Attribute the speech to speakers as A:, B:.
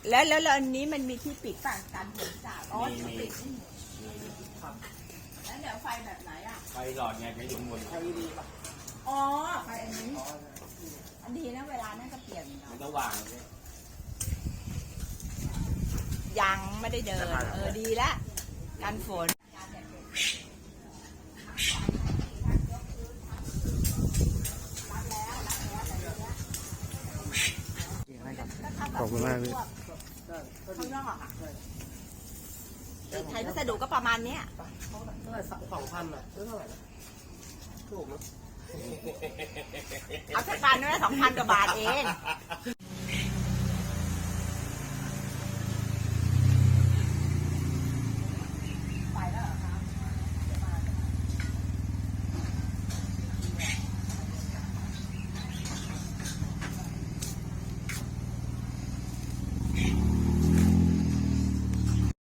A: แล้วอันนี้มันมีที่ปิดป่ะการเปิดจ่าอ๋อที่ปิดนี่ครับแล้วเดี๋ยวไฟแบบไหนอ่ะ
B: ไฟหลอดไงไฟอยู่บนไฟดีป่ะ
A: อ๋อไฟอันนี้อันดีนะเวลานั่นก็เปลี่ยน
B: มันก็วาง
A: ยังไม่ได้เดินดีแล้วกันฝน
C: ขอบคุณมากพี่
A: ข้างนอกไทยพัสดุก็ประมาณนี้
D: เท่าไหร่2,000อ่ะเท่าไหร่นะถูกนะ
A: เอาสักพันนึง2,000 กว่าบาทเอง